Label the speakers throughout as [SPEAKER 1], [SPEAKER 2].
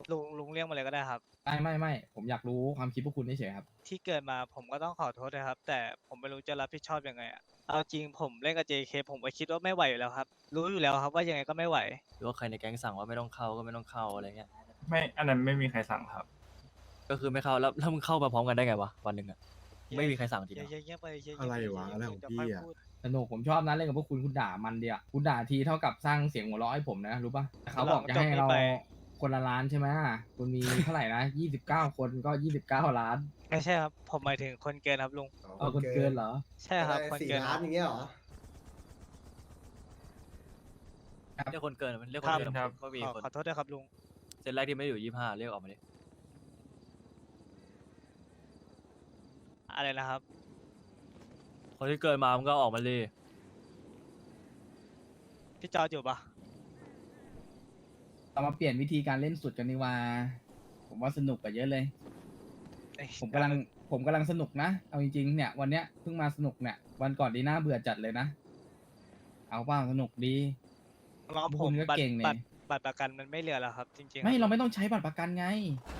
[SPEAKER 1] ลุงเรียกมาเลยก็ได้ครับ
[SPEAKER 2] ไม่ผมอยากรู้ความคิดพวกคุณเฉยๆครับ
[SPEAKER 1] ที่เกิดมาผมก็ต้องขอโทษนะครับแต่ผมไม่รู้จะรับผิดชอบยังไงอะเอาจริงผมเล่นกับ JK ผมก็คิดว่าไม่ไหวอยู่แล้วครับรู้อยู่แล้วครับว่ายังไงก็ไม่ไหว
[SPEAKER 3] หรือว่าใครในแก๊งสั่งว่าไม่ต้องเข้าก็ไม่ต้องเข้าอะไรเงี้ย
[SPEAKER 4] ไม่อันนั้นไม่มีใครสั่งครับ
[SPEAKER 3] ก็คือไม่เข้าแล้วมึงเข้ามาพร้อมกันได้ไงวะวันหนึ่งอะไม่มีใครสั่งจริงเหรอ
[SPEAKER 1] เงียบๆไปเงียบๆ
[SPEAKER 5] อะไรวะ
[SPEAKER 1] เงียบๆ
[SPEAKER 5] อะไรของ
[SPEAKER 1] เดี๋ยว
[SPEAKER 5] พี่
[SPEAKER 1] ค่อย
[SPEAKER 5] อ่ะ
[SPEAKER 1] พูด
[SPEAKER 2] สนุกผมชอบนะเล่นกับพวกคุณด่ามันเดียวคุณด่าทีเท่ากับสร้างเสียงหัวเราะให้ผมนะรู้ป่ะแต่เขาบอกจะให้เราคนละล้านใช่ไหมคุณมีเท่าไหร่นะ29 คนก็29 ล้าน
[SPEAKER 1] ไม่ใช่ครับผมหมายถึงคนเกินครับลุง
[SPEAKER 2] เอาคนเกินเหรอ
[SPEAKER 1] ใช่ครับคน
[SPEAKER 6] สี่
[SPEAKER 1] เกิน
[SPEAKER 6] ล้านอย่างเงี้ยเหรอ
[SPEAKER 3] เรียกคนเกินมันเรียกค
[SPEAKER 1] คน รับ
[SPEAKER 3] เกิน
[SPEAKER 4] ครับ
[SPEAKER 3] ก็มี
[SPEAKER 1] ขอ
[SPEAKER 3] คน
[SPEAKER 1] ขอโทษด้วยครับลุง
[SPEAKER 3] เซตแรกที่ไม่ได้อยู่25เรียกออกมาดิ
[SPEAKER 1] อะไรนะครับ
[SPEAKER 3] คนที่เกินมามันก็ออกมาเลย
[SPEAKER 1] พี่จอร์จอยู่ปะ
[SPEAKER 2] เรามาเปลี่ยนวิธีการเล่นสุดกันดีกว่าผมว่าสนุกกว่าเยอะเลย
[SPEAKER 1] เอ้ย
[SPEAKER 2] ผมกำลังสนุกนะเอาจริงๆเนี่ยวันเนี้ยเพิ่งมาสนุกเนี่ยวันก่อนดีน่าเบื่อจัดเลยนะเอาเปล่าสนุกดี
[SPEAKER 1] น้อง
[SPEAKER 2] พวก
[SPEAKER 1] ผ
[SPEAKER 2] คุ
[SPEAKER 1] ม
[SPEAKER 2] ณก็
[SPEAKER 1] บัตร
[SPEAKER 2] เก่งนี่
[SPEAKER 1] บัตรประกันมันไม่เหลือแล้วครับ จริงๆ
[SPEAKER 2] ไม่
[SPEAKER 1] ค
[SPEAKER 2] เรา
[SPEAKER 1] บ
[SPEAKER 2] ไม่ต้องใช้บัตรประกันไง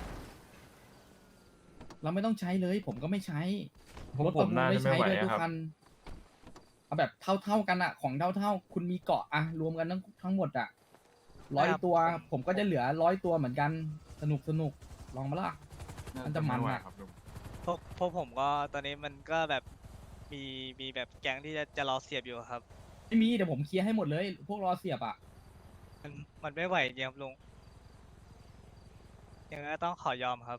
[SPEAKER 2] เราไม่ต้องใช้เลยผมก็ไม่ใช้
[SPEAKER 4] พวก
[SPEAKER 2] รถ
[SPEAKER 4] ผ
[SPEAKER 2] ประ
[SPEAKER 4] ม
[SPEAKER 2] มูล
[SPEAKER 4] น่า
[SPEAKER 2] ไม่
[SPEAKER 4] จะ
[SPEAKER 2] ใช้
[SPEAKER 4] ไม่ไหว
[SPEAKER 2] เลยทุ
[SPEAKER 4] อะ
[SPEAKER 2] ก
[SPEAKER 4] ครับ
[SPEAKER 2] คันเอาแบบเท่ากันอะของเท่าคุณมีเกาะอะรวมกันทั้งหมดอะ100 ตัว ผมก็จะเหลือ100 ตัวเหมือนกันสนุกลองมาล่ะ มันจะมัน
[SPEAKER 4] ไไหว
[SPEAKER 2] อะ
[SPEAKER 4] ครับลุง
[SPEAKER 1] พวกผมก็ตอนนี้มันก็แบบมีแบบแก๊งที่จะรอเสียบอยู่ครับ
[SPEAKER 2] ไม่มีเดี๋ยวผมเคลียร์ให้หมดเลย พวกรอเสียบอะ
[SPEAKER 1] มันไม่ไหวจริงครับลุงยังไงก็ต้องขอยอมครับ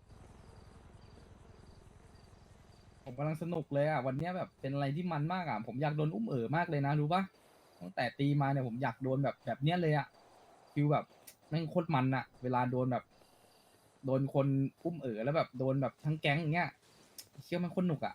[SPEAKER 2] ผมกำลังสนุกเลยอะวันเนี้ยแบบเป็นอะไรที่มันมากอะผมอยากโดนอุ้มมากเลยนะรู้ปะตั้งแต่ตีมาเนี่ยผมอยากโดนแบบเนี้ยเลยอะฟิลแบบแม่งโคตรมันอะเวลาโดนแบบ โดนคนอุ้มแล้วแบบโดนแบบทั้งแก๊งอย่างเงี้ยเชื่อมันคนหนุกอะ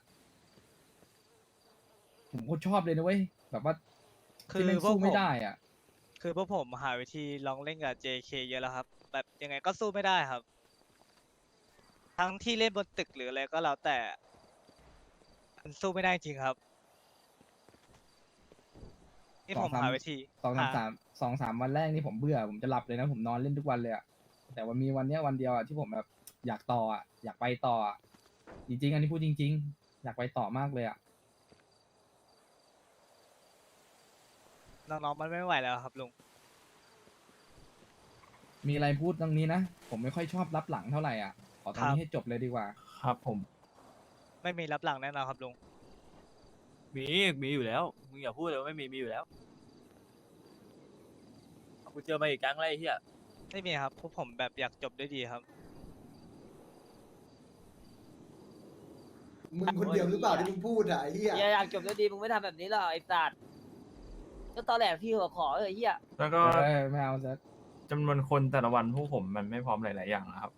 [SPEAKER 2] ผมโคตรชอบเลยนะเว้ยแบบว่า
[SPEAKER 1] คือ
[SPEAKER 2] ที่แม่ง
[SPEAKER 1] พวก
[SPEAKER 2] สู้
[SPEAKER 1] ผ
[SPEAKER 2] ไม่
[SPEAKER 1] ม
[SPEAKER 2] ได้อะ
[SPEAKER 1] คือพวกผมหาวิธีลองเล่นกับ JK เยอะแล้วครับ แบบยังไงก็สู้ไม่ได้ครับ ทั้งที่เล่นบนตึกหรืออะไรก็แล้วแต่มันสู้ไม่ได้จริงครับนี่ผมหาวิธี
[SPEAKER 2] สองสามวันแรกนี่ผมเบื่อผมจะหลับเลยนะผมนอนเล่นทุกวันเลยอะแต่วันมีวันเนี้ยวันเดียวอะที่ผมแบบอยากต่ออะอยากไปต่ออะจริงๆอันนี้พูดจริง ๆ อยากไปต่อมากเลยอะ
[SPEAKER 1] น้องๆมันไม่ไหวแล้วครับลุง
[SPEAKER 2] มีอะไรพูดตรงนี้นะ ผมไม่ค่อยชอบรับหลังเท่าไหร่อ่ะ ขอตรง
[SPEAKER 1] ครั
[SPEAKER 2] นี้
[SPEAKER 1] บ
[SPEAKER 2] ให้จบเลยดีกว่า
[SPEAKER 4] ครับผม
[SPEAKER 1] ไม่มีรับหลังแน่นอนครับลุง
[SPEAKER 3] มีอยู่แล้วมึงอย่าพูดเลยว่าไม่มีอยู่แล้วกูเจอมาอีกแก๊งแล้วไรเฮีย
[SPEAKER 1] ไม่มีครับพวกผมแบบอยากจบด้วยดีครับ
[SPEAKER 6] มึงคนเดียวหรือเปล่าที่มึงพูดอ่ะไอ้เหี้ย
[SPEAKER 7] อยากจบด้วยดีมึงไม่ทำแบบนี้หรอกไอ้สัตว์ก็ตอนแรกที่หัวขอเฮีย
[SPEAKER 4] แล้วก็
[SPEAKER 2] ไม่เอาซะ
[SPEAKER 4] จำนวนคนแต่ละวันพวกผมมันไม่พร้อมหลาย ๆ อย่างนะครับ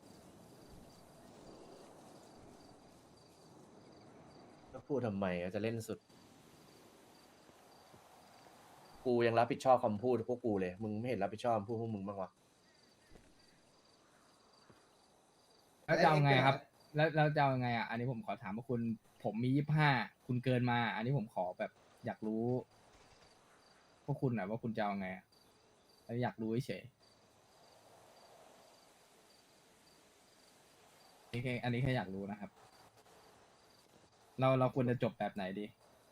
[SPEAKER 8] ก็พูดทำไมอะจะเล่นสุด กูยังรับผิดชอบคำพูดพวกกูเลย มึงไม่เห็นรับผิดชอบคำพูดพวกมึงบ้างวะ
[SPEAKER 2] แล้วจะเอาไงครับ แล้วจะเอาไงอ่ะ อันนี้ผมขอถามว่าคุณ ผมมี25คุณเกินมา อันนี้ผมขอแบบอยากรู้ พวกคุณหน่อยว่าคุณจะเอาไงอะแล้วอยากรู้เฉยอันนี้แค่อยากรู้นะครับ เราควรจะจบแบบไหนดี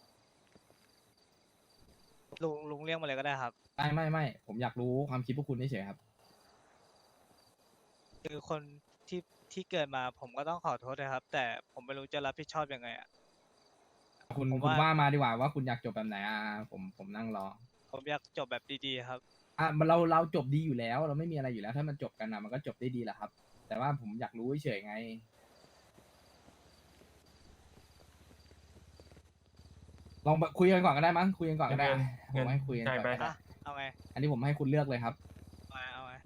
[SPEAKER 1] ลุงเรียกมาเลยก็ได้ครับ
[SPEAKER 2] ไม่ผมอยากรู้ความคิดพวกคุณเฉยๆครับ
[SPEAKER 1] คือคนที่เกิดมาผมก็ต้องขอโทษนะครับ แต่ผมไม่รู้จะรับผิดชอบยังไงอ่ะ
[SPEAKER 2] คุณ
[SPEAKER 1] ผม
[SPEAKER 2] คุณ
[SPEAKER 1] ว่า
[SPEAKER 2] ว่ามาดีกว่าว่าคุณอยากจบแบบไหนผมนั่งรอ
[SPEAKER 1] ผมอยากจบแบบดีๆครับ
[SPEAKER 2] เราจบดีอยู่แล้ว เราไม่มีอะไรอยู่แล้ว ถ้ามันจบกันนะมันก็จบได้ดีแหละครับ แต่ว่าผมอยากรู้เฉยๆไง ลองคุยกันก่อนก็ได้มั้งคุยกันก่อนก็ได้
[SPEAKER 4] เงิน
[SPEAKER 2] ผมให้คุยกันก่อน
[SPEAKER 4] จ่ายไป
[SPEAKER 2] ก็ได้
[SPEAKER 1] อ่ะ เอาไง
[SPEAKER 2] อันนี้ผมให้คุณเลือกเลยครับ
[SPEAKER 1] เอาไง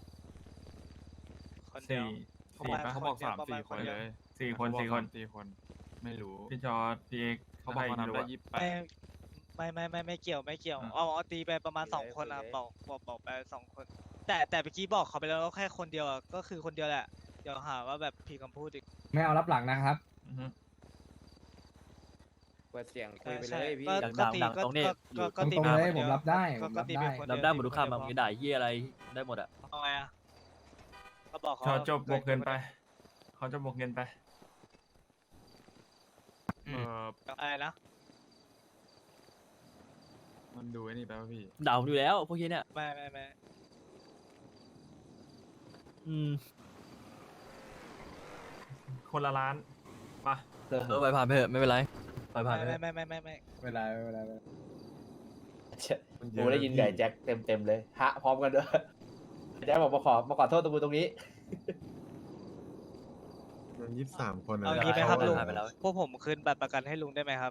[SPEAKER 1] คนเดียว
[SPEAKER 4] สี่
[SPEAKER 1] เขาบอก3-4 คนเลย
[SPEAKER 4] สี่คน
[SPEAKER 9] ไม่รู้
[SPEAKER 4] พี่จอร์ดพี่เอก
[SPEAKER 9] เขาบอกเขา
[SPEAKER 4] ไม่
[SPEAKER 9] ทำ
[SPEAKER 4] รู้
[SPEAKER 9] ได้
[SPEAKER 4] อะ
[SPEAKER 1] ไม่เกี่ยว
[SPEAKER 4] อ่ะ
[SPEAKER 1] เอาตีไปประมาณ2 คนนะครับบอกไป2 คน แต่เมื่อกี้บอกเขาไปแล้วว่าแค่คนเดียวอะก็คือคนเดียวแหละ เดี๋ยวหาว่าแบบผิดคำพูดอีก
[SPEAKER 2] ไม่เอารับหลังนะครับ
[SPEAKER 4] อือฮึ
[SPEAKER 7] เปิดเสียงคุ
[SPEAKER 1] ใช่
[SPEAKER 7] ยไปเลยพี่
[SPEAKER 1] ก็
[SPEAKER 3] ดัง
[SPEAKER 1] ตี
[SPEAKER 3] ดัง
[SPEAKER 1] ก็
[SPEAKER 3] ตรงนี้
[SPEAKER 1] ก็ตี
[SPEAKER 2] ตรง
[SPEAKER 1] ไป
[SPEAKER 2] ๆเลย
[SPEAKER 1] คน
[SPEAKER 2] ผ
[SPEAKER 1] ดี
[SPEAKER 2] ม
[SPEAKER 1] ว
[SPEAKER 2] รับได้
[SPEAKER 1] ก็
[SPEAKER 2] ผมรับ
[SPEAKER 1] ตี
[SPEAKER 2] ได้
[SPEAKER 1] ปคน
[SPEAKER 3] รับ
[SPEAKER 1] เยว
[SPEAKER 3] ได้หมดทุก
[SPEAKER 1] ตีป
[SPEAKER 3] คำ
[SPEAKER 1] น
[SPEAKER 3] มึง
[SPEAKER 1] เดียว
[SPEAKER 3] จะด่าเฮียอะไรได้หมดอะ
[SPEAKER 1] เอาไงอะก็บอกเขา
[SPEAKER 4] เขาจบบวกเงินไป
[SPEAKER 1] กิ
[SPEAKER 4] เขาจะบวกเงินไป
[SPEAKER 9] เออ
[SPEAKER 1] อะไรนะ
[SPEAKER 9] มันดูไอ้นี่ไปป่ะพี่
[SPEAKER 3] ด่าผมอยู่แล้วพวกนี้เนี่ย
[SPEAKER 1] ไม่
[SPEAKER 3] อืม
[SPEAKER 4] คนละล้านมา
[SPEAKER 3] ไปผ่านไปเถอะไม่เป็นไรไปผ่านไปเถอะ
[SPEAKER 1] ไม่
[SPEAKER 2] เวลาเวลา
[SPEAKER 8] กูได้ยินไก่แจ็คเต็มเลยฮะพร้อมกันด้วยแจ็คบอกมาขอโทษตรงกูตรงนี้
[SPEAKER 5] มัน23 คนนะ
[SPEAKER 1] เอางี้ไหมครับ
[SPEAKER 3] ได้
[SPEAKER 1] ลุง
[SPEAKER 3] ผ่านไปแล้ว
[SPEAKER 1] พวกผมคืนบัตรประกันให้ลุงได้ไหมครับ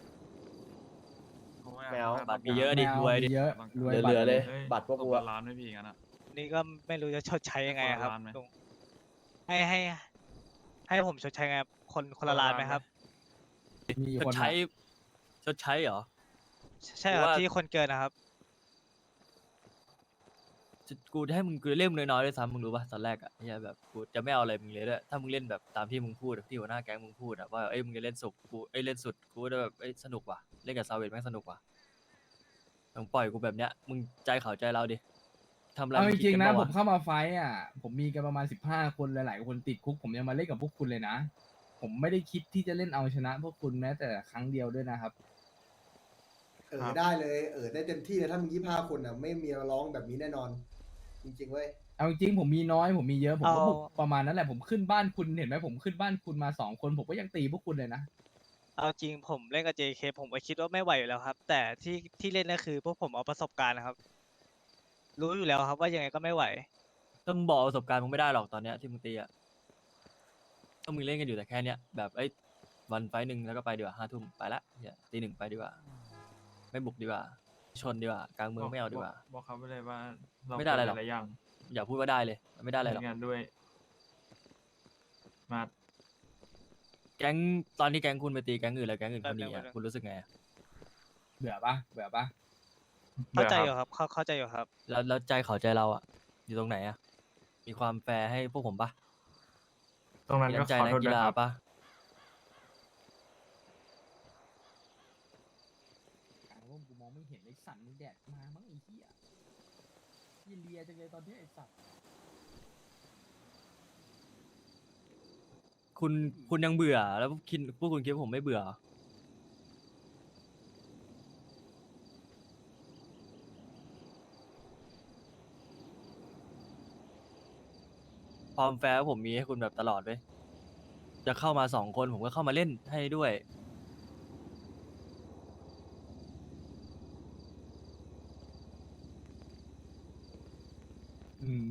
[SPEAKER 8] ไม่เอา
[SPEAKER 3] บัตรมีเยอะดิรวยดิ
[SPEAKER 2] เยอะรวย
[SPEAKER 8] เหลือๆเลย
[SPEAKER 9] ฮ้
[SPEAKER 8] บัตรพวกกู
[SPEAKER 9] ต
[SPEAKER 8] อะ
[SPEAKER 9] ล้านไม่พี่งั้นอ่ะ
[SPEAKER 1] นี่ก็ไม่รู้จะชดใช้ยังไงครับ
[SPEAKER 9] คนละล้านไหม
[SPEAKER 1] ลุงให้ผมชดใช้ไงครับคนละล้านไหมครับ
[SPEAKER 2] มี
[SPEAKER 3] ช
[SPEAKER 2] ค
[SPEAKER 3] ด
[SPEAKER 2] น
[SPEAKER 3] ใช้ชดใช้เหรอ
[SPEAKER 1] ใช่ครับ
[SPEAKER 3] ว่า
[SPEAKER 1] ที่คนเกินนะครับ
[SPEAKER 3] กูจะให้มึงกูเล่นน้อยๆด้วยซ้ำมึงรู้ป่ะตอนแรกอ่ะเนี่ยแบบกูจะไม่เอาอะไรมึงเลยด้วยถ้ามึงเล่นแบบตามที่มึงพูดที่หัวหน้าแก๊งมึงพูดอะว่าเอ้ยมึงจะเล่นสุกกูเอ้ยเล่นสุดกูจะแบบเอ้ยสนุกว่ะเล่นกับซาเวตแม่งสนุกว่ะมึงปล่อยกูแบบเนี้ยมึงใจเขาใจเราดิทำอะไร
[SPEAKER 2] เอา
[SPEAKER 3] มึ
[SPEAKER 2] จ
[SPEAKER 3] คิด
[SPEAKER 2] ริง
[SPEAKER 3] กั
[SPEAKER 2] ๆนะ
[SPEAKER 3] ปะ
[SPEAKER 2] ผ
[SPEAKER 3] ว
[SPEAKER 2] มเข้ามาไฟท์อ่ะ ผมมีกันประมาณ15 คนหลายๆคนติดคุก ผมยังมาเล่นกับพวกคุณเลยนะ ผมไม่ได้คิดที่จะเล่นเอาชนะพวกคุณแม้แต่ครั้งเดียวด้วยนะครับ
[SPEAKER 6] ได้เลยได้เต็มที่เลยถ้ามึง25 คนอ่ะไม่มีมาร้องแบบนี้แน่นอน จริงๆเว้ย
[SPEAKER 2] เอาจริงๆผมมีน้อยผมมีเยอะผมก็
[SPEAKER 1] เอา
[SPEAKER 2] บุกประมาณนั้นแหละผมขึ้นบ้านคุณเห็นไหมผมขึ้นบ้านคุณมา2 คนผมก็ยังตีพวกคุณเลยนะ
[SPEAKER 1] เอาจริงผมเล่นกับ JK ผมก็คิดว่าไม่ไหวอยู่แล้วครับ แต่ที่เล่นก็คือพวกผมเอาประสบการณ์นะครับ รู้อยู่แล้วครับว่ายังไงก็ไม่ไหว
[SPEAKER 3] ถ้ามึงบอกประสบการณ์มึงไม่ได้หรอกตอนเนี้ยที่มึงตีอ่ะก็มึงเล่นกันอยู่แต่แค่เนี้ยแบบเอ้ยวันไฟต์หนึ่งแล้วก็ไปดีกว่า5 ทุ่มไปละเนี่ยตี 1ไปดีกว่า ไม่บุกดีกว่า ชนดีกว่ากลางเมืองไม่เอาดีกว่า
[SPEAKER 4] บอกเขาไปเลยว่าเรา
[SPEAKER 3] ไม่ได้อะไรหรอก
[SPEAKER 4] เกิหลายอย่าง
[SPEAKER 3] อย่าพูดว่าได้เลยมันไม่ได้อะไรหรอก
[SPEAKER 4] ทำงานด้วย มา
[SPEAKER 3] แก๊งตอนที่แก๊งคุณไปตีแก๊งอื่นแล้วแก๊งอื่นเขาหนี
[SPEAKER 1] แป๊บ
[SPEAKER 3] อ่ะ
[SPEAKER 1] นึง
[SPEAKER 3] คุณรู้สึกไงอะ
[SPEAKER 2] เบื่อปะเบื่อปะ
[SPEAKER 1] เข้าใจอ
[SPEAKER 4] บื่
[SPEAKER 1] ยู่ครับเข้าใจอยู่ครับ
[SPEAKER 3] แล้วใจเขาใจเราอ่ะ อยู่ตรงไหนอ่ะ มีความแฟร์ให้พวกผมปะ
[SPEAKER 4] ตรงนั้น
[SPEAKER 3] มี
[SPEAKER 4] ก็
[SPEAKER 3] น้ำใจ
[SPEAKER 4] ขอ
[SPEAKER 3] นัก
[SPEAKER 4] โทษ
[SPEAKER 3] กี
[SPEAKER 4] ด้วย
[SPEAKER 3] ฬา
[SPEAKER 4] ครับ
[SPEAKER 3] ปะ
[SPEAKER 2] กลางร่มกูมองไม่เห็นไอ้สัตว์มึงแดดมามั้งไอ้เหี้ยยี่เลียจังเลยตอนนี้ไอ้สัตว์
[SPEAKER 3] คุณยังเบื่อแล้วพวกคุณคิดว่าผมไม่เบื่อเหรอความแฟร์ผมมีให้คุณแบบตลอดเว้ยจะเข้ามา2 คนผมก็เข้ามาเล่นให้ด้วย
[SPEAKER 2] อืม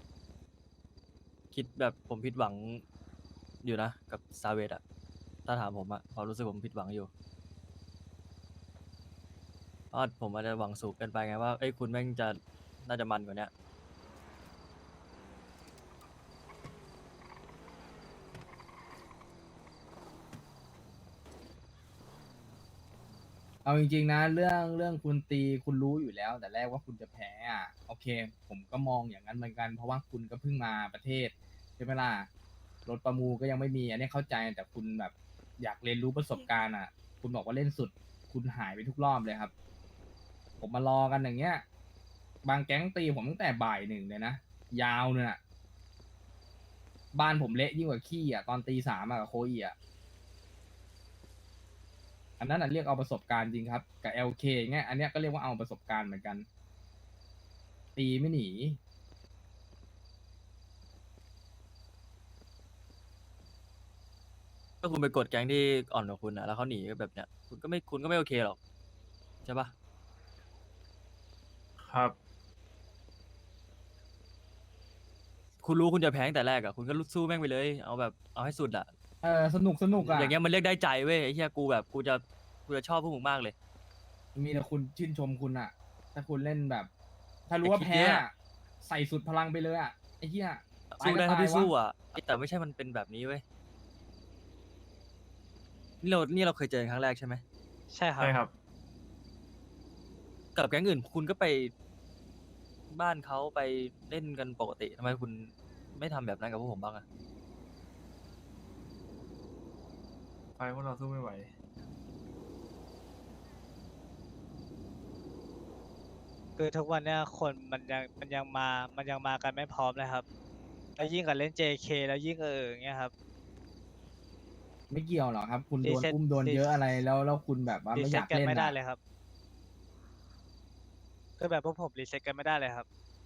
[SPEAKER 3] คิดแบบผมผิดหวังอยู่นะกับซาเวตอะถ้าถามผมอะความรู้สึกผมผิดหวังอยู่เพราะผมอาจจะหวังสูงเกินไปไงว่าเอ้ยคุณแม่งจะน่าจะมันกว่าเนี้ย
[SPEAKER 2] เอาจริงๆนะเรื่องคุณตีคุณรู้อยู่แล้ว แต่แรกว่าคุณจะแพ้อ่ะโอเค ผมก็มองอย่างนั้นเหมือนกัน เพราะว่าคุณก็เพิ่งมาประเทศใช่ไหมล่ะรถประมูลก็ยังไม่มีอันนี้เข้าใจแต่คุณแบบอยากเรียนรู้ประสบการณ์อ่ะ คุณบอกว่าเล่นสุด คุณหายไปทุกรอบเลยครับ ผมมารอกันอย่างเงี้ย บางแก๊งตีผมตั้งแต่บ่าย 1เลยนะยาวเนี่ยน่ะบ้านผมเละยิ่งกว่าขี้อ่ะตอนตี 3อ่ะกับโคอีอ่ะ อันนั้นเรียกเอาประสบการณ์จริงครับกับ LK เงี้ยอันเนี้ยก็เรียกว่าเอาประสบการณ์เหมือนกัน ตีไม่หนี
[SPEAKER 3] ถ้าคุณไปกดแก๊งที่อ่อนกว่าคุณอะแล้วเขาหนีแบบเนี้ยคุณก็ไม่โอเคหรอกใช่ปะ
[SPEAKER 4] ครับ
[SPEAKER 3] คุณรู้คุณจะแพ้ตั้งแต่แรกอะคุณก็สู้แม่งไปเลยเอาแบบเอาให้สุดอะ
[SPEAKER 2] สนุกอ่ะ
[SPEAKER 3] อย่างเงี้ยมันเรียกได้ใจเว้ยไอ้เหี้ยกูแบบกูจะชอบพวกมึงมากเลย
[SPEAKER 2] มีแต่คุณชื่นชมคุณอ่ะ ถ้าคุณเล่นแบบ ถ้ารู้ว่า
[SPEAKER 3] ไอ้ขี้
[SPEAKER 2] แพ้
[SPEAKER 3] เกียจ
[SPEAKER 2] อะใส่สุดพลังไปเลยอ่ะไอ้เหี้ยตาย
[SPEAKER 3] สู้
[SPEAKER 2] ก็
[SPEAKER 3] ได้
[SPEAKER 2] ตา
[SPEAKER 3] เท่าย ที่สู้
[SPEAKER 2] วะ
[SPEAKER 3] อะแต่ไม่ใช่มันเป็นแบบนี้เว้ยนี่เราเคยเจอกันครั้งแรกใช่ไหม
[SPEAKER 1] ใช่ครับ
[SPEAKER 4] ใช่ครับ
[SPEAKER 3] กับแก๊งอื่นคุณก็ไปบ้านเขาไปเล่นกันปกติทำไมคุณไม่ทำแบบนั้นกับพวกผมบ้างอะ
[SPEAKER 4] ไฟพวกเราสู้ไม่ไหว
[SPEAKER 1] คือทุกวันเนี้ยคนมันยังมากันไม่พร้อมเลยครับแล้วยิ่งกับเล่น JK แล้วยิ่งอย่างเงี้ยครับ
[SPEAKER 2] ไม่เกี่ยวหรอกครับ คุณโดน
[SPEAKER 1] reset
[SPEAKER 2] อุ้มโดนเยอะอะไรแล้วคุณแบบว่า
[SPEAKER 1] รี
[SPEAKER 2] ไม่อ
[SPEAKER 1] เซ็ต
[SPEAKER 2] ยาก
[SPEAKER 1] กัน
[SPEAKER 2] เล่น
[SPEAKER 1] ไม่ได้
[SPEAKER 2] อ่ะ
[SPEAKER 1] เลยครับก็แบบพวกผมรีเซ็ตกันไม่ได้เลยครับ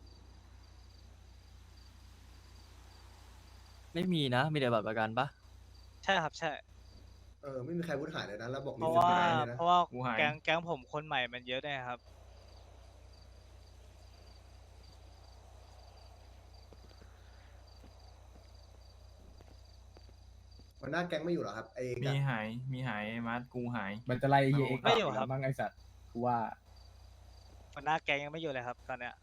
[SPEAKER 3] ไม่มีนะ มีแต่บัตรประกันปะ
[SPEAKER 1] ใช่ครับใช่
[SPEAKER 6] ไม่มีใครพูดหายเลยนะแล้วบอก
[SPEAKER 1] เพ
[SPEAKER 6] รี
[SPEAKER 1] ราะ
[SPEAKER 6] เซ็ต
[SPEAKER 1] ว่า
[SPEAKER 6] ไม่ได้เลยนะ
[SPEAKER 1] เพราะว่า
[SPEAKER 4] กูหาย
[SPEAKER 1] แก๊งผมคนใหม่มันเยอะด้วยครับ
[SPEAKER 6] หัวหน้าแก๊งไม่อยู่เหรอครับไอ้
[SPEAKER 4] มีหาย มีหายมาร์ทกูหาย
[SPEAKER 2] มันจะไล่เฮียเอ็กซ์
[SPEAKER 1] ไม่อยู่
[SPEAKER 2] ก
[SPEAKER 1] ครับ
[SPEAKER 2] แล้วมั้งไอสัตว์กูว่า
[SPEAKER 1] หัวหน้าแก๊งยังไม่อยู่เลยครับตอนเนี้ย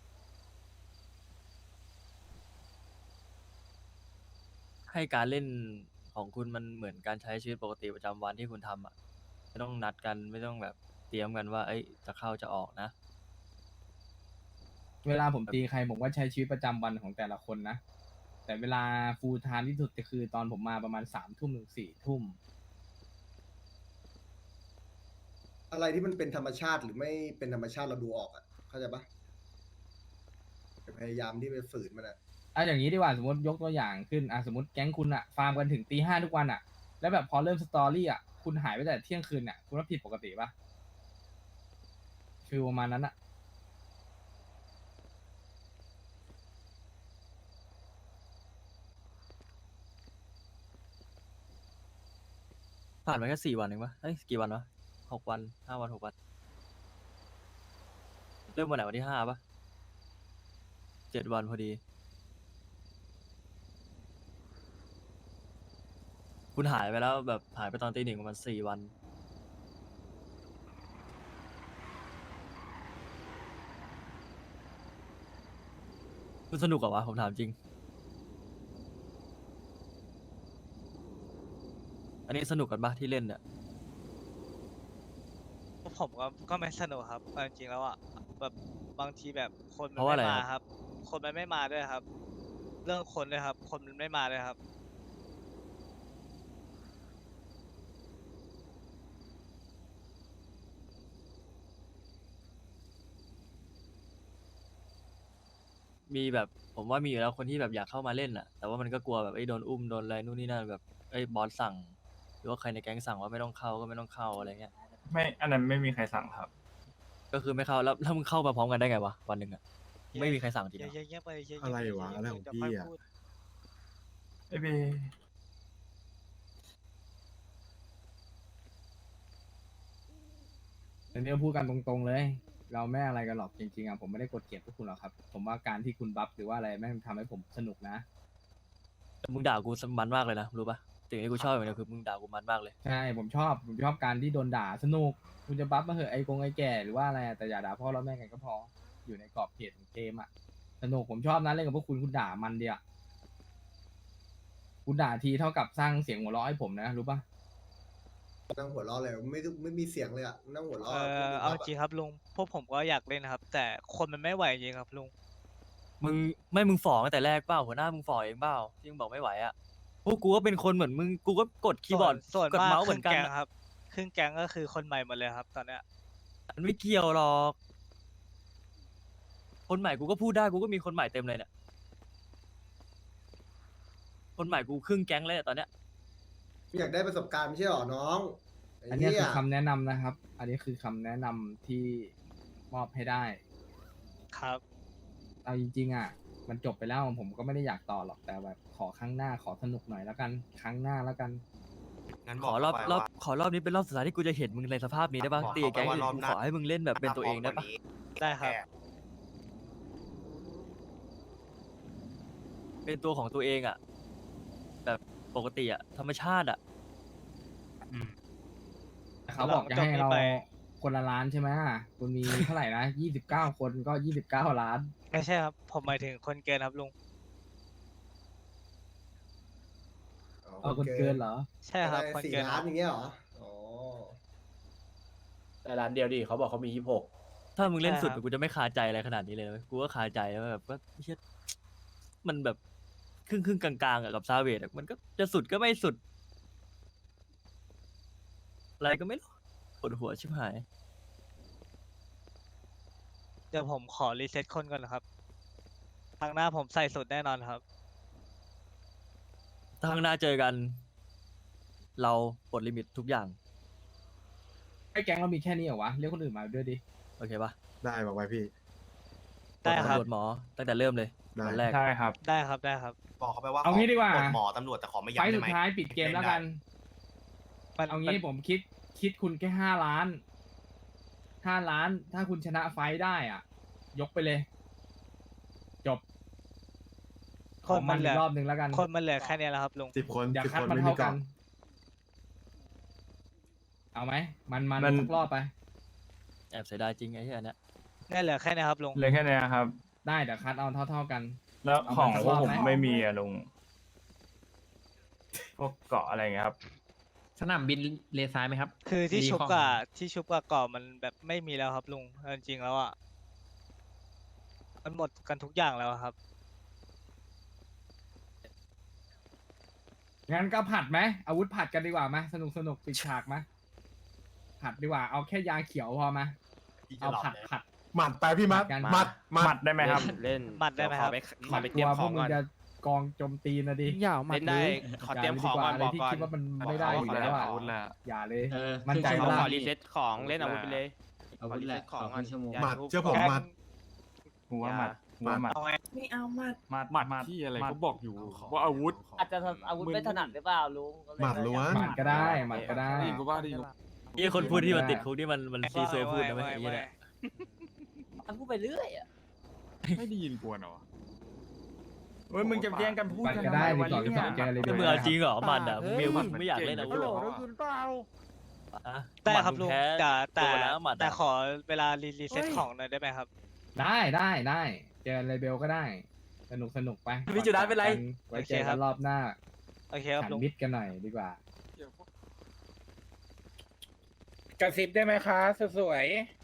[SPEAKER 3] ให้การเล่นของคุณมันเหมือนการใช้ชีวิตปกติประจำวันที่คุณทำอ่ะ ไม่ต้องนัดกันไม่ต้องแบบเตรียมกันว่า เอ้ยจะเข้าจะออกนะ
[SPEAKER 2] เวลาผมตีใครผมก็ใช้ชีวิตประจำวันของแต่ละคนนะ แต่เวลาฟูลไทม์ที่สุดก็คือตอนผมมาประมาณ3 ทุ่มถึง4 ทุ่ม
[SPEAKER 6] อะไรที่มันเป็นธรรมชาติหรือไม่เป็นธรรมชาติเราดูออกอ่ะเข้าใจปะพยายามที่ไปฝืนมันอ่ะ
[SPEAKER 2] อย่างนี้ดีกว่าสมมติยกตัวอย่างขึ้นสมมติแก๊งคุณอะฟาร์มกันถึงตี 5ทุกวันอะแล้วแบบพอเริ่มสตอรี่อะคุณหายไปแต่เที่ยงคืนอะคุณว่าผิดปกติปะฟีลประมาณนั้นอะ
[SPEAKER 3] ผ่านมาแค่4 วันเองปะเอ้ยกี่วันวะ6 วัน5 วัน6 วัน เริ่มวันไหนวันที่5ปะ7 วันพอดี คุณหายไปแล้วแบบหายไปตอนตี 1ประมาณ4 วัน คุณสนุกเหรอวะผมถามจริง อันนี้สนุกกันปะที่เล่นเนี่ย
[SPEAKER 1] ผมก็ไม่สนุกครับเอาจริงๆแล้วอ่ะแบบบางทีแบบคนมั
[SPEAKER 3] เพ
[SPEAKER 1] น
[SPEAKER 3] ราะว่า
[SPEAKER 1] ไม่
[SPEAKER 3] อะไร
[SPEAKER 1] มา
[SPEAKER 3] ครับ
[SPEAKER 1] ครับ คนมันไม่มาด้วยครับ เรื่องคนด้วยครับ คนมันไม่มาด้วยครับ
[SPEAKER 3] มีแบบผมว่ามีอยู่แล้วคนที่แบบอยากเข้ามาเล่นอ่ะ แต่ว่ามันก็กลัวแบบไอ้ยโดนอุ้มโดนอะไรนู่นนี่นั่นแบบไอ้ยบอสสั่ง หรือว่าใครในแก๊งสั่งว่าไม่ต้องเข้าก็ไม่ต้องเข้าอะไรเงี้ย
[SPEAKER 4] ไม่ อันนั้นไม่มีใครสั่งครับ
[SPEAKER 3] ก็คือไม่เข้าแล้วมึงเข้ามาพร้อมกันได้ไงวะวันหนึ่งอ่ะไม่มีใครสั่งจริงเหรอ
[SPEAKER 1] เยอะๆไปเยอะๆ
[SPEAKER 5] อะไร
[SPEAKER 1] ป
[SPEAKER 5] วะ
[SPEAKER 1] เยๆ
[SPEAKER 5] อะไรของ
[SPEAKER 1] เดี๋ยว
[SPEAKER 5] พี่
[SPEAKER 1] ค่ย
[SPEAKER 5] อะ
[SPEAKER 1] พูด
[SPEAKER 4] ไอ้เบ
[SPEAKER 2] อันนี้พูดกันตรงๆเลย เราไม่อะไรกันหรอกจริงๆผมไม่ได้กดเกลียดพวกคุณหรอกครับ ผมว่าการที่คุณบัฟหรือว่าอะไรแม่งทำให้ผมสนุกนะ
[SPEAKER 3] แต่มึงด่ากูมันมากเลยนะรู้ปะสิ่งที่กูชอบอย่างเดียวคือมึงด่ากูมันมากเลย
[SPEAKER 2] ใช่ผมชอบการที่โดนด่าสนุกคุณจะบัฟมาเหอะไอ้แก่หรือว่าอะไรแต่อย่าด่าพ่อแล้วแม่กันก็พออยู่ในกรอบเขตของเกมอะสนุกผมชอบนะเล่นกับพวกคุณด่ามันเดียวคุณด่าทีเท่ากับสร้างเสียงหัวเราะให้ผมนะรู้ปะ
[SPEAKER 6] นั่งหัวเราะเลยไม่มีเสียงเลยอ่ะนั่งหัวเราะ
[SPEAKER 1] เอาจริงครับลุงพวกผมก็อยากเล่นนะครับ แต่คนมันไม่ไหวจริงครับลุง
[SPEAKER 3] มึงฝ่อตั้งแต่แรกเปล่าหัวหน้ามึงฝ่อเองเปล่าที่มึงบอกไม่ไหวอ่ะพวกกูก็เป็นคนเหมือนมึงกูก็กดคีย์บอร์ด
[SPEAKER 1] ส่วน
[SPEAKER 3] กด
[SPEAKER 1] มาก
[SPEAKER 3] เมาส์
[SPEAKER 1] ค
[SPEAKER 3] เหมื
[SPEAKER 1] รึ่
[SPEAKER 3] อง นกัน
[SPEAKER 1] แก๊ง
[SPEAKER 3] อะ
[SPEAKER 1] ครับครึ่งแก๊งก็คือคนใหม่หมดเลยครับ ตอนเนี้ย
[SPEAKER 3] มันไม่เกี่ยวหรอก คนใหม่กูก็พูดได้กูก็มีคนใหม่เต็มเลยเนี่ยคนใหม่กูครึ่งแก๊งเลยอะตอนเนี้ย
[SPEAKER 6] อยากได้ประสบการณ์ไม่ใช่หรอน้องไ
[SPEAKER 2] อันนี้คือ
[SPEAKER 6] เหี้ย
[SPEAKER 2] คำแนะนำนะครับ อันนี้คือคำแนะนำที่มอบให้ได้
[SPEAKER 1] ครับ
[SPEAKER 2] เอาจริงๆมันจบไปแล้วผมก็ไม่ได้อยากต่อหรอกแต่แบบขอครั้งหน้าขอสนุกหน่อยแล้วกันครั้งหน้าแล้วกัน
[SPEAKER 3] ขอรอบนี้เป็นรอบสุดท้ายที่กูจะเห็นมึงในสภาพนี้ได้ปะตีกับแก๊งอื่นกูขอให้มึงเล่นแบบเป็นตัวเองได้ปะ
[SPEAKER 1] ได้ครับ
[SPEAKER 3] เป็นตัวของตัวเองอ่ะ แบบปกติอ่ะธรรมชาติอ่ะ
[SPEAKER 2] เขาบอกจะให้เราคนละล้านใช่ไหมคุณมีเท่าไหร่นะ29 คนก็29 ล้าน
[SPEAKER 1] ไม่ใช่ครับ ผมหมายถึงคนเกินครับลุง
[SPEAKER 2] เอาคนเกินเหรอ
[SPEAKER 1] ใช่ครับ คน
[SPEAKER 6] 4
[SPEAKER 1] เกินค
[SPEAKER 6] ล้า
[SPEAKER 1] รั
[SPEAKER 6] น
[SPEAKER 1] บ
[SPEAKER 6] อย่างเงี้ยเหรออ๋อ
[SPEAKER 8] แต่ร้านเดียวดิเขาบอกเขามี26
[SPEAKER 3] ถ้ามึงเล่นสุด
[SPEAKER 1] ใช่ครับ
[SPEAKER 3] กูจะไม่คาใจอะไรขนาดนี้เลยนะเว้ยกูก็คาใจว่าแบบว่าเชี่ยมันแบบครึ่งกลางๆอะกับซาเวดอะมันก็จะสุดก็ไม่สุด อะไรก็ไม่รู้ปวดหัวชิบหาย
[SPEAKER 1] เดี๋ยวผมขอรีเซ็ตคนก่อนนะครับครั้งหน้าผมใส่สุดแน่นอนครับ
[SPEAKER 3] ถ้าข้างหน้าเจอกัน เราปลดลิมิตทุกอย่าง
[SPEAKER 2] ไอ้แก๊งเรามีแค่นี้เหรอวะเรียกคนอื่นมาด้วยดิ
[SPEAKER 3] โอเคปะ
[SPEAKER 5] ได้บอกไว้พี่
[SPEAKER 1] ได้ครับ
[SPEAKER 3] ตำรวจหมอตั้งแต่เริ่มเลย
[SPEAKER 5] ได้
[SPEAKER 3] วันแรก
[SPEAKER 4] ใช่ครับ
[SPEAKER 1] ได้ครับได้ครับ
[SPEAKER 10] บอกเขาไปว่า
[SPEAKER 2] เอางี้ดีกว่า
[SPEAKER 10] ปลหมอตำรวจแต่ขอไม่
[SPEAKER 2] ไฟ
[SPEAKER 10] ย้ำ
[SPEAKER 2] ล์
[SPEAKER 10] ได้
[SPEAKER 2] สุด
[SPEAKER 10] ไหม
[SPEAKER 2] ท้ายปิดเกมแล้วกัน
[SPEAKER 1] มัน
[SPEAKER 2] เอางี้ผมคิดคุณแค่5 ล้าน5 ล้าน ถ้าคุณชนะไฟท์ได้อ่ะ ยกไปเลย จบ
[SPEAKER 1] คนมัน
[SPEAKER 2] อี
[SPEAKER 1] เหลื
[SPEAKER 2] ก
[SPEAKER 1] อ
[SPEAKER 2] รอบหนึ่งแล้วกัน
[SPEAKER 1] คนมันเหลือแค่เนี้ยแล้วครับลุง
[SPEAKER 5] 10 คน
[SPEAKER 2] อย่า
[SPEAKER 5] 10
[SPEAKER 2] คัด
[SPEAKER 5] คน
[SPEAKER 2] มัน
[SPEAKER 5] ไม่มี
[SPEAKER 2] เท่ากั
[SPEAKER 5] เกาะ
[SPEAKER 2] น เอาไหมมัน
[SPEAKER 4] มัน
[SPEAKER 2] สักรอบไป
[SPEAKER 3] แอบเสียดายจริงไอ้เหี้ยเนี่ย
[SPEAKER 1] เนี่ยเหลือแค่เนี้ยครับลุง
[SPEAKER 4] เลยแค่เนี้ยครับ
[SPEAKER 2] ได้เดี๋ยวคัดเอาเท่ากัน
[SPEAKER 4] แล้ว
[SPEAKER 2] เอา
[SPEAKER 4] ของ
[SPEAKER 2] มาสัก
[SPEAKER 4] พวก
[SPEAKER 2] รอบ
[SPEAKER 4] ผม
[SPEAKER 2] ไหม
[SPEAKER 4] ไม่มีอะลุง พวกเกาะอะไรเงี้ยครับ
[SPEAKER 11] สนามบินเลซ้ายไหมครับ
[SPEAKER 1] คือที่
[SPEAKER 11] รี
[SPEAKER 1] ชุบ
[SPEAKER 11] ของ
[SPEAKER 1] กับก่อมันแบบไม่มีแล้วครับลุงเอาจริงๆแล้วอ่ะมันหมดกันทุกอย่างแล้วอะครับ
[SPEAKER 2] งั้นก็ผัดไหมอาวุธผัดกันดีกว่าไหมสนุกปิดฉากไหมผัดดีกว่าเอาแค่ยาเขียวพอไหม
[SPEAKER 10] พี่จะ
[SPEAKER 2] เอา
[SPEAKER 10] หลับ
[SPEAKER 2] ผัด
[SPEAKER 10] เลย
[SPEAKER 2] ผัด
[SPEAKER 5] หมัดไปพี่มัด
[SPEAKER 2] กัน
[SPEAKER 5] หมัด
[SPEAKER 4] หมัดได้ไหมครับ
[SPEAKER 11] เล่น
[SPEAKER 1] หมัดได้ไหมครับ
[SPEAKER 2] ผัดกลัวพวกมึงจะกองโจมตีนะดิ
[SPEAKER 11] เล่นได้ขอเตรียมของก่อน
[SPEAKER 2] ย่า
[SPEAKER 11] บอก
[SPEAKER 2] เลยดี
[SPEAKER 11] ก่
[SPEAKER 2] ว่า
[SPEAKER 11] อน
[SPEAKER 2] อะไรที่คิดว่ามันไม่ได้อยู่แล้วอ่ะ
[SPEAKER 9] อาวุธแหละ
[SPEAKER 2] อย่าเลย
[SPEAKER 11] เออ
[SPEAKER 2] มั่นใจ
[SPEAKER 11] ข
[SPEAKER 2] ว่า
[SPEAKER 11] อรีเซ็ตของเล่นอาวุธไปเลย
[SPEAKER 12] อาวุธแหละ
[SPEAKER 11] ของ
[SPEAKER 12] ขอครึ่งชั่วโมง
[SPEAKER 11] อย่า
[SPEAKER 5] หมัด
[SPEAKER 11] ทุบ
[SPEAKER 5] เชื่อผมหมัด
[SPEAKER 4] หัวหมัดหัวหมัด
[SPEAKER 1] เอาไง
[SPEAKER 12] ไม่เอามา
[SPEAKER 9] หมัดที่อะไรเขาบอกอยู่ว่าอาวุธ
[SPEAKER 7] อาจจะอาวุธไม่ถนัดหรือเปล่าลุงก็เลย
[SPEAKER 5] หมัดล้วน
[SPEAKER 2] หมัดก็ได้หมัดก็ได้
[SPEAKER 9] ได้ยินกูว่าได้ยิน
[SPEAKER 3] ไอ้คนพูดที่มันติดคุกที่มันซีซัวพูดนะไม่ไอ้เหี้ยเนี่ย
[SPEAKER 7] มันพูดไปเรื่อยอ่ะ
[SPEAKER 9] ไม่ได้ยินกวนเหรอ
[SPEAKER 4] เฮ้ยมึงจะแย่งกันพูด
[SPEAKER 2] หมัด
[SPEAKER 4] กัน
[SPEAKER 2] ก็ได้
[SPEAKER 4] ทำม
[SPEAKER 2] 12 12เจอเลย
[SPEAKER 3] แต่มึงเอาจริงเหรอมันอ่ะมึงมีอาวุธมึงไม่อยากเล่นอาวุธเหรอ อะ
[SPEAKER 1] ได้ครับลุง
[SPEAKER 3] แพ้
[SPEAKER 1] แต่
[SPEAKER 3] โดนแล้วหมัดอะ
[SPEAKER 1] แต่ขอเวลารีเซ็ตของหน่อยได้ไหมครับ
[SPEAKER 2] ได้เจอเลเบลก็ได้ สนุกไป
[SPEAKER 3] พี่จุดาเป็นไร
[SPEAKER 2] ไว้เจอกันรอบหน้า
[SPEAKER 1] โอเคครับ
[SPEAKER 2] ขัน
[SPEAKER 1] ลุง
[SPEAKER 2] มิดกันหน่อยดีกว่า
[SPEAKER 11] กระซิบได้ไหมคะสวย